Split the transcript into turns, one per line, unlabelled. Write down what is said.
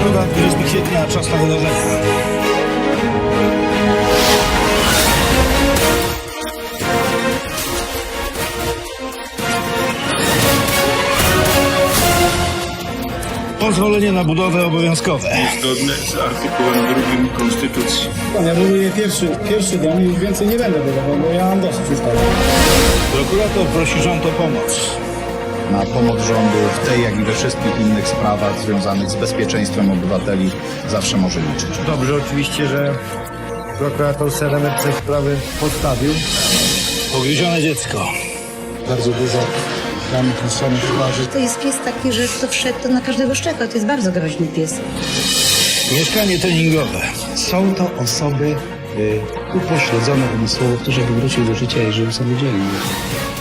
Środa, 20 kwietnia, czas na wydarzenia. Pozwolenie na budowę obowiązkowe.
Zgodne z artykułem 2 Konstytucji.
Ja buduję pierwszy dom i już więcej nie będę budował, bo ja mam dosyć już tego.
Prokurator prosi rząd o pomoc.
Na pomoc rządu w tej, jak i we wszystkich innych sprawach związanych z bezpieczeństwem obywateli zawsze może liczyć.
Dobrze oczywiście, że prokurator Seremet te sprawy postawił.
Pogryzione dziecko.
Bardzo dużo tam samych twarzy.
To jest pies taki, że kto wszedł, to na każdego szczeka. To jest bardzo groźny pies.
Mieszkanie treningowe.
Są to osoby upośledzone umysłowo, które wywróciły do życia i żyją samodzielnie.